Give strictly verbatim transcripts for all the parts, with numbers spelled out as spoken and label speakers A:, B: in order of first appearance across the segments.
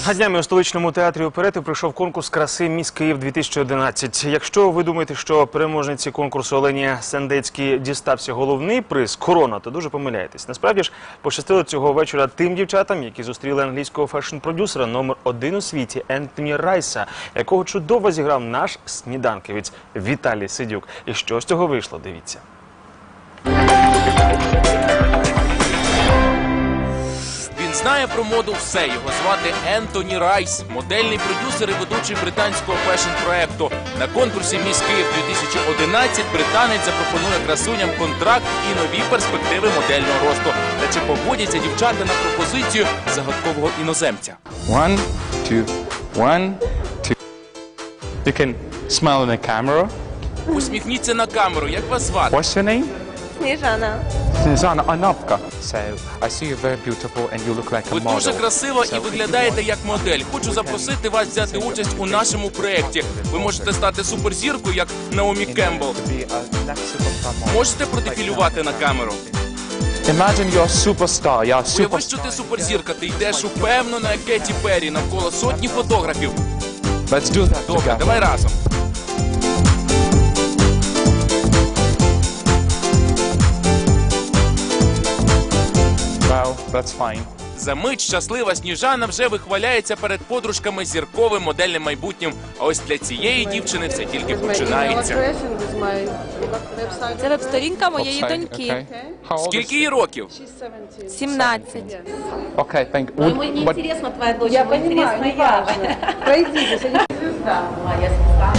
A: А днями у столичному театрі оперети пройшов конкурс краси «Міс Київ-дві тисячі одинадцять». Якщо ви думаєте, що переможниці конкурсу Олені Сендецькій дістався головний приз – корона, то дуже помиляєтесь. Насправді ж, пощастило цього вечора тим дівчатам, які зустріли англійського фешн-продюсера номер один у світі Ентоні Райса, якого чудово зіграв наш сніданківець Віталій Сидюк. І що з цього вийшло, дивіться.
B: Він знає про моду все. Його звати Ентоні Райс, модельний продюсер і ведучий британського фешн-проекту. На конкурсі «Міс Київ-дві тисячі одинадцять» британець запропонує красуням контракт і нові перспективи модельного росту. Та чи погодяться дівчата на пропозицію загадкового іноземця?
C: One, two, one, two. You can smile in the camera.
B: Усміхніться на камеру. Як вас звати?
C: What's your name?
D: Сніжана.
C: Сніжана Анапка. So, I see you're very beautiful and you look like a
B: Ви
C: model.
B: дуже красива і виглядаєте як модель. Хочу запросити вас взяти участь у нашому проєкті. Ви можете стати суперзіркою, як Наомі Кембл. Можете продефілювати на камеру?
C: Imagine you're a superstar. You're a
B: Уяви,
C: superstar.
B: що ти суперзірка, ти йдеш упевнено на Кеті Перрі, навколо сотні фотографів.
C: Let's do that
B: Добре,
C: together.
B: давай разом.
C: Well, that's fine.
B: За мить щаслива Сніжана вже вихваляється перед подружками зірковим модельним майбутнім. А ось для цієї дівчини все тільки починається.
D: Це веб-сторінка моєї
C: Website,
D: доньки.
C: okay. How old
B: Скільки
C: is
B: їй років?
D: сімнадцять.
C: Okay, thank you. Would-
E: Ему не
C: but-
E: интересна твоя дочь,
F: Я
E: ему
F: понимаю,
E: интересна
F: не
E: я.
F: важно. Пройдитесь, они звезда.
E: Моя сестра.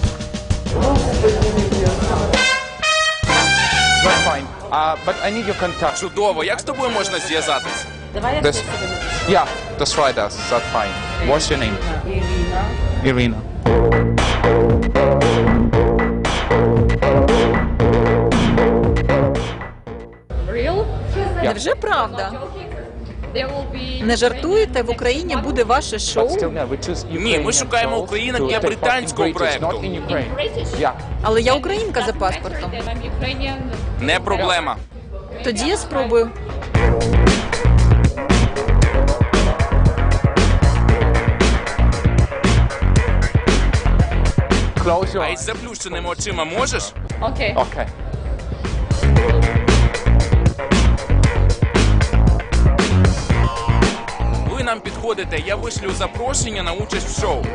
C: That's fine. Uh, but I need your contact.
B: Чудово, як з тобою можна зв'язатись?
E: Давай я
C: This,
E: тебе напишу.
C: yeah, that's right. That's that's fine. What's your name?
E: Ирина.
C: Irina.
D: Невже правда? Не жартуєте? В Україні буде ваше
C: But
D: шоу?
C: still, yeah, we choose
B: Ні, ми
C: Ukrainian
B: шукаємо
C: girls
B: українок
C: to
B: для
C: take part in
B: британського
C: British,
B: проекту.
C: not in Ukraine. Yeah.
D: Але я українка за паспортом.
B: Не проблема.
D: Тоді я спробую.
C: Close your
B: А
C: eyes.
B: із заплющеними очима можеш?
C: Okay.
B: Ви нам підходите, я вишлю запрошення на участь в шоу.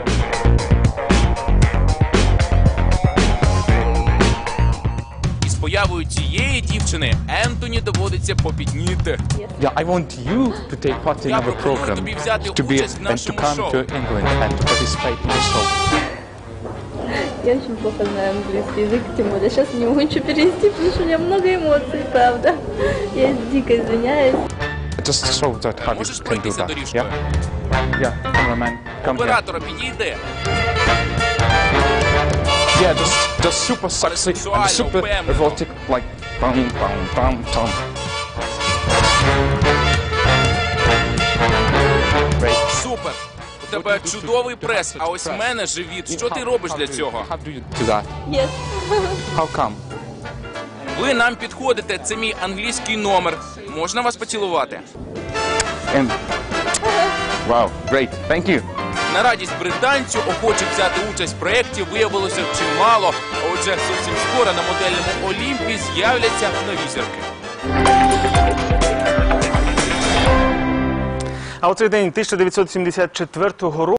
B: Із появою цієї дівчини Ентоні доводиться попітніти.
C: Yeah, I want you to take part in
B: Я
C: our
B: пропоную
C: program,
B: тобі взяти
C: to be
B: участь в
C: and to
B: нашому
C: come
B: шоу.
C: to England and to participate in the show.
G: Я очень плохо знаю английский язык, тем более сейчас не могу ничего перевести, потому что у меня много эмоций, правда. Я дико извиняюсь.
C: Just show that how you
B: Можеш
C: can do
B: пройтися
C: that.
B: доріжкою?
C: Yeah. Yeah, cameraman, come here.
B: Оператора підійди.
C: Yeah, just just super sexy and
B: сексуально,
C: super
B: впевнено.
C: erotic, like bum bum bum bum. Great.
B: Супер. У тебе чудовий прес, а ось в мене живіт. Що ти робиш для цього?
C: How do you do that?
G: Yes.
C: How come?
B: Ви нам підходите, це мій англійський номер. Можна вас поцілувати?
C: And wow, great. Thank you.
B: На радість британцю охочих взяти участь в проєкті виявилося чимало. А отже, зовсім скоро на модельному Олімпі з'являться нові зірки.
A: А у цей день тисяча дев'ятсот сімдесят четвертого року